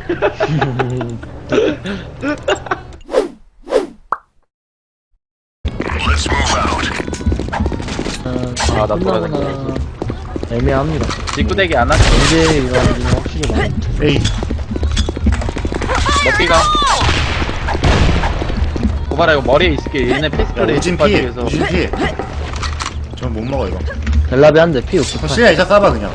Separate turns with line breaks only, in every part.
아, 나 돌아다니고.
애매합니다.
직구대기 안 하지?
언제 이러는지 확실히 많이.
에이.
먹기가. 고바라 이거 머리에 있을게. 얘네 피스톨에
우진 피.
빠지면서.
우진 피. 전 못 먹어 이거.
델라비 한대 피 68.
시야 이자 쏴봐 그냥.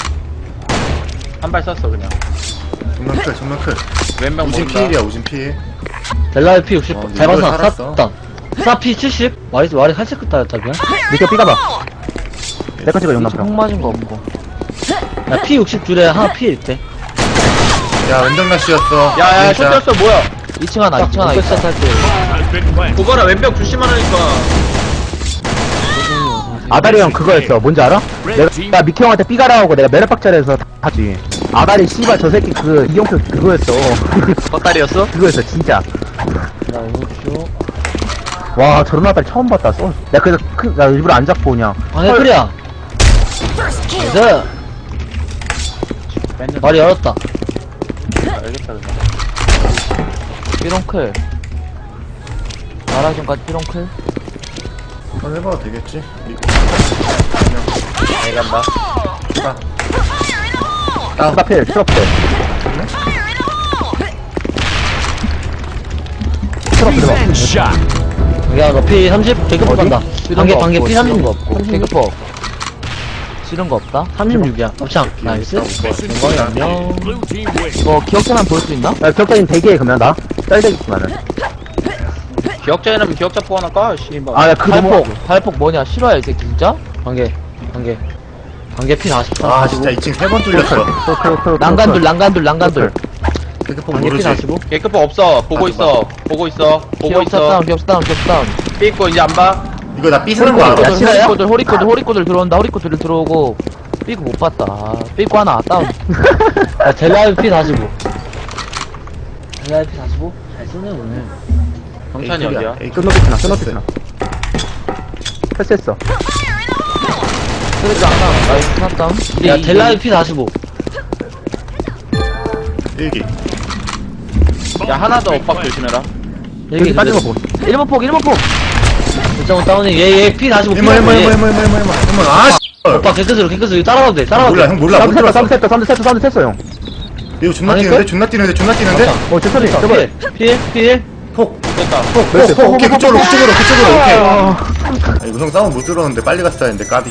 한 발 쐈어 그냥.
정면 클, 정면 클.
왼병
우진
모른다.
피일이야, 우진 피일.
델라비 피 60.
어,
잘
이걸
봤어.
살았어.
쐈다. 쏴피 70. 말이 할색 따였다 그냥.
밑에 삐가봐. 내거 찍어 용남편.
폭 맞은 거 없고. 야피 60줄에 하나 피 있대.
야, 왼쪽 날씨였어.
야야 슛
진짜.
떴어 뭐야?
2층 하나 2층 하나 있어. 할때
고바라 왼병 조심하라니까.
아다리 형 그거였어. 뭔지 알아? 내가 미키 형한테 삐가라 하고 내가 메르박자리에서 하지. 아다리 씨발 저 새끼 그 이용표 그거였어.
헛다리였어?
그거였어 진짜.
나 이거쇼.
와 저런 아다리 처음 봤다. 내가 그래서 나 일부러 안 잡고 그냥.
방해 클리야. 그래서 말이 열었다.
알겠다 그냥.
삐롱클. 마라존까지 삐롱클.
한번 해봐도 되겠지?
잘 간다.
스타필 트럭대. 트럭 들어가.
야, 너 피 30? 개급포
어디?
간다. 반개 피 30. 거 없고. 개급포. 싫은 거 없다? 36이야. 업창. 나이스. 건강이 안녕. 이거 기억자만 볼 수 있나?
야 격자님 대기해 그러면 나. 짤대기구만은.
기억자에는 기억자 포 하나 까. 씨발.
아야 그거 뭐.
발폭 뭐냐? 싫어해, 이 새끼 진짜? 반개 피 40.
아, 진짜 2층 3번 뚫렸어.
난간둘.
그렇게
반개 피
모르지.
45.
개급포 없어. 보고 있어. 보고 있어. 보고 있어.
기억다운.
삐고 이제 안 봐.
이거 나 삐쓰는 거 알아?
야, 실화야?
호리코들 들어온다. 호리코들 들어오고. 삐고 못 봤다. 삐고 하나 다운. 야, 델라이 피 45. 델라이 피 45? 잘 쓰네, 오늘.
경찬이 어디야?
끊어지구나. 패스했어.
쓰레기 하나. 나이스, 하나 다운. 야, 델라이 피 45.
일기.
야 하나 더 엇박 조심해라.
여기 빠진 거 보고.
1번 폭. 일정 다운이 얘 피 45.
일모. 아, 씨.
오빠 개크스로 따라가도 돼.
몰라, 형 몰라. 못 들었어.
사운드 했어 형.
이거 존나
아니,
뛰는데?
그-
존나 뛰는데?
어 제철이 저번에.
필.
폭.
됐다.
오케이, 그쪽으로. 오케이. 아, 이거 형 싸움 못 들었는데 빨리 갔어야 했는데, 까비.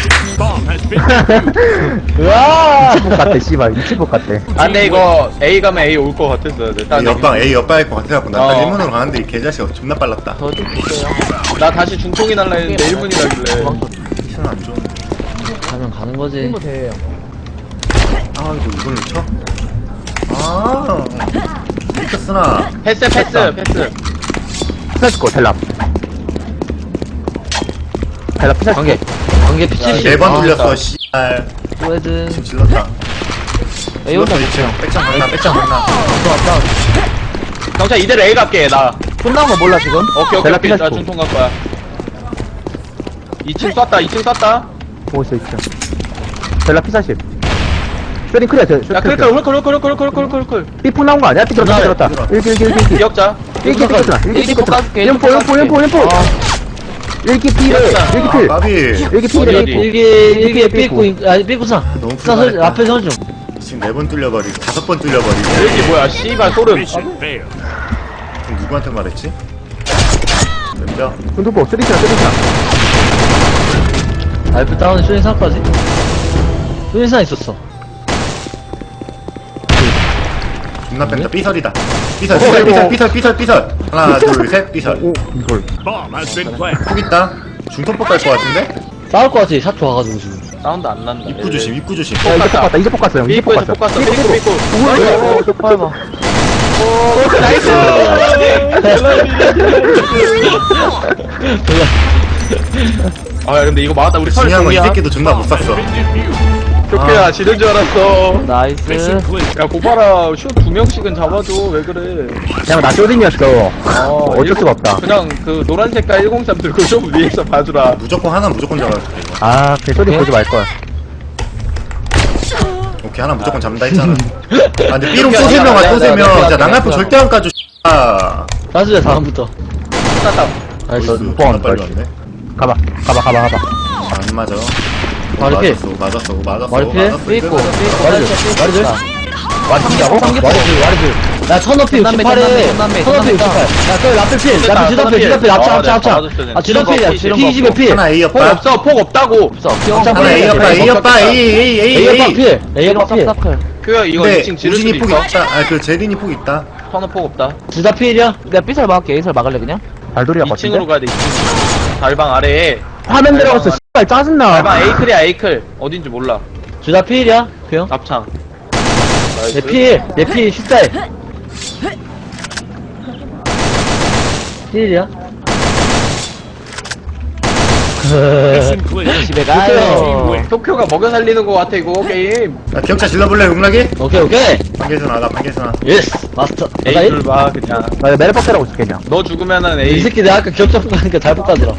으아. 미치복 같아 씨발 미치복 같아.
아 근데 이거 A 가면 A 올 것 같았어야 돼.
이 옆방 A 옆방일 것 같아갖고 나
어.
딱 1문으로 가는데 이 개자식이 존나 빨랐다.
더좀 주세요.
나 다시 중통이 날라 했는데 1분이라길래.
미션 안 좋은데.
가면 가는 거지.
아, 이걸 놓쳐? 아, 미쳤으나.
패스.
스나이스코 텔랍. 피사.
관계 피 70.
4번 뚫렸어, 씨발.
또헤드.
지금 질렀다.
에이 혼자
질렀어, 2층. 백장 강나.
경찰 이대로 A 갈게 나.
끝난 거 몰라 지금?
오케이.
델라
나
피나스코.
중통 갈 거야. 2층 쐈다.
보고 있어 2층. 텔랍 피사십. 쇼딩 클리어
야 클클.
삐풍 나온 거 아니야? 삐 들었다. 1기.
기억자.
일기 삐끗나. 일기 삐끗나. 연포. 일기 필. 일기 필.
까비.
일기
어디,
필.
어디?
일기에 삐꾸 삐꾸사.
너무
사
불안했다.
앞에 서줘.
지금 4번 뚫려버리고 5번 뚫려버리고.
여기 뭐야 씨발 소름.
그럼 누구한테 말했지? 왼쪽.
군도포 쓰리스나.
알프 다운 쇼인사까지. 쇼인사 있었어.
존나 뺀다. 삐설이다. 삐설. 하나, 둘, 셋, 삐설.
오 이걸.
푹 있다. 중통법 갈것 같은데?
싸울 거 같아. 샷 좋아가지고 지금.
사운드 안 난다.
입구 조심.
야 이제 폭 갔어 형. 이제 폭
삐꾸에서
갔어.
볶았어. 삐꾸.
오, 쪽 밟아.
나이스. 아 근데 이거 맞다. 우리 설
중요한 건 이
동이야.
새끼도 존나 못 쐈어.
쇼케야 지는 줄 알았어.
나이스.
야 고파라 슛 2명씩은 잡아줘. 왜 그래?
그냥 나 쇼딩이었어. 어쩔 수가 없다.
그냥 그 노란 색깔 103 들고 좀 위에서 봐주라.
무조건 하나 무조건 잡아야 돼, 이거.
아, 그 쇼딩 보지 말걸.
오케이 하나 무조건 잡는다 했잖아. 아 근데 B롱 또
오케이,
3명
오케이,
또
오케이,
3명.
오케이,
자
오케이,
낭알포
오케이.
절대 안 까줘. 아.
사주자 다음부터.
나이스.
뻔,
빨리
빨리.
왔네.
가봐.
안 맞아.
머리 필.
맞았어.
머리 필?
맞았어.
삐고,
맞았어.
삐고.
머리 들.
와리 삼기하고? 와리 필. 야, 천어필 68에. 천어필 68. 야, 그 라필 필. 라필 지더필. 합쳐. 아, 지더필이야. P20에 필.
하나 A
폭
옆바.
없어 폭 없다고.
없어.
하나 A 옆바. A 옆바.
A
A.
필. A 필.
그 이거
근데
2층 지를 수도
우진이 폭이
있어.
없다. 아 그 제린이 폭 있다.
선호 폭 없다.
둘다 필이야? 내가 B설 막을게. A설 막을래, 그냥?
발돌이야
2층으로
같은데?
가야 돼. 2층. 달방 아래에.
화면 들어갔어. 씨발 짜증나.
달방 에이클이야 에이클. 어딘지 몰라.
둘 다 필이야? 그형?
앞창.
얘 필. 얘 필. 10살. 필이야? 집에 가요.
도쿄가 먹여 살리는 거 같아 이거 게임.
야 기억자 질러볼래 음락이?
오케이.
반개선 나가 반개선.
예스. 마스터.
에이클 봐 그냥.
나 메르박대라고 있을게 그냥.
너 죽으면은
이
에이.
새끼 내가 아까 기억자 가니까 잘 볶아들어.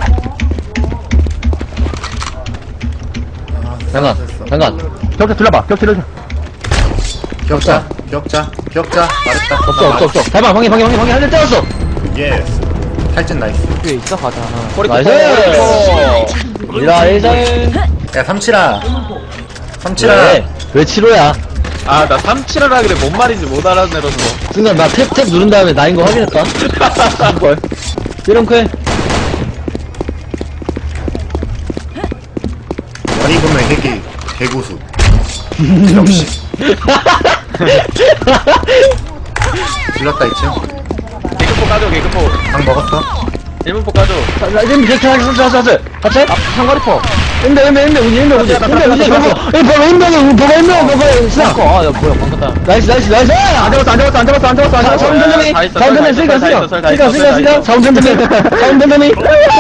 잠깐.
격자 들려봐. 격자 들려줘.
기억자 말했다.
없어. 달방 방해 한대 때렸어.
예스. 탈진 나이스.
뒤에 있어 가자.
나이스.
이라 일장에.
야 삼칠아.
왜 7호야?
아나 3칠을 하길래 뭔 말인지 못 알아내려서.
순간 나 탭 누른 다음에 나인 거 확인했다. 뭘? 이런크
머리 보면 새끼 개고수. 역시. 질렀다 이층.
개그포 까줘 개그포.
방 먹었어.
1문포 까줘.
나 지금 이렇게 하자. 같이? 상거리포. 인베, 우지. 버거, 시작. 아, 야, 뭐야, 방금 나이스. 안 잡았어. 사운드님이. 사운드님이.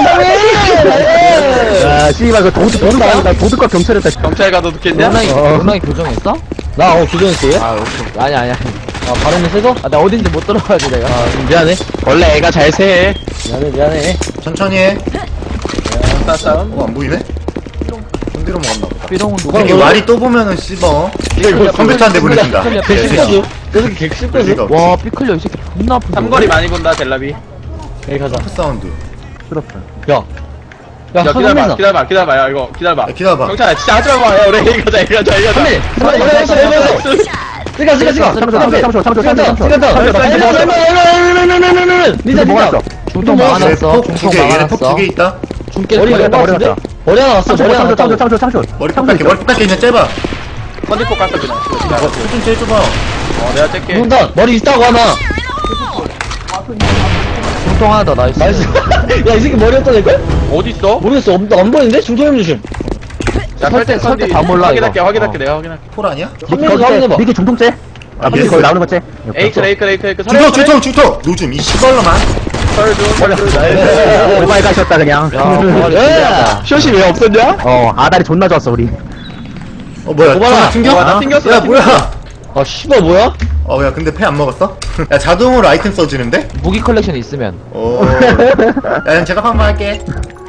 야 씨발 그 도둑 나 도둑과 경찰했다.
경찰 가도 듣겠냐?
로나이 교정했어? 나, 교정했어, 얘?
아 오케이.
아니야. 발음이 세서? 나 어딘지 못 들어가지, 내가. 미안해.
원래 애가 잘 세.
미안해.
천천히 해.
싸싸움.
안 보이네? 손뒤로 먹었나 보다.
삐롱은 누가
새끼 와리 또 보면은 씹어. 이거 컴퓨터한테 보내준다.
객실거수. 저 새끼 객실거수.
의미가 없지.
와, 삐클려, 이 새끼 존나 아픈데.
삼거리 많이 본다 델라비.
여기 가자.
사운드.
부럽다.
야,
야
선배나.
기다려봐 야 이거 기다려봐.
야, 기다려봐.
경찰 진짜 하지 마봐. 야 우리 여기 가자.
선배, 찍어.
니자 뭐가
중통 막아놨어.
얘네 폭두개 있다.
중계
머리
머리
났다, 머리
같은데?
났다.
머리 하나 왔어. 머리 하나 왔다고.
창조.
머리 뽑게 그냥 째봐.
컨디포 깠어 그냥.
수준 제일 좁아.
내가 뗄게.
중통 머리 있다고 하나. 중통 하나 더 나이스. 야, 이 새끼 머리 어디다 낼걸?
어딨어?
모르겠어. 안 보이는데? 중통 형 조심.
야 설대
다 몰라,
확인할게
이거.
확인할게 내가 확인할게.
폴 아니야?
선배님 확인해봐.
니게 중통째?
아,
니게
예스.
거기 나오는 거째?
에이클
중통. 노즘 이 시벌로만.
오바이 가셨다 그냥.
야,
숏이 왜 없었냐?
아다리 존나 좋았어 우리.
뭐야?
오바라.
전화 튕겨?
나 튕겼어,
야
나
뭐야?
아, 씨발 뭐야?
야 근데 패 안 먹었어? 야 자동으로 아이템 써지는데?
무기 컬렉션 있으면.
야 제가 한번 할게.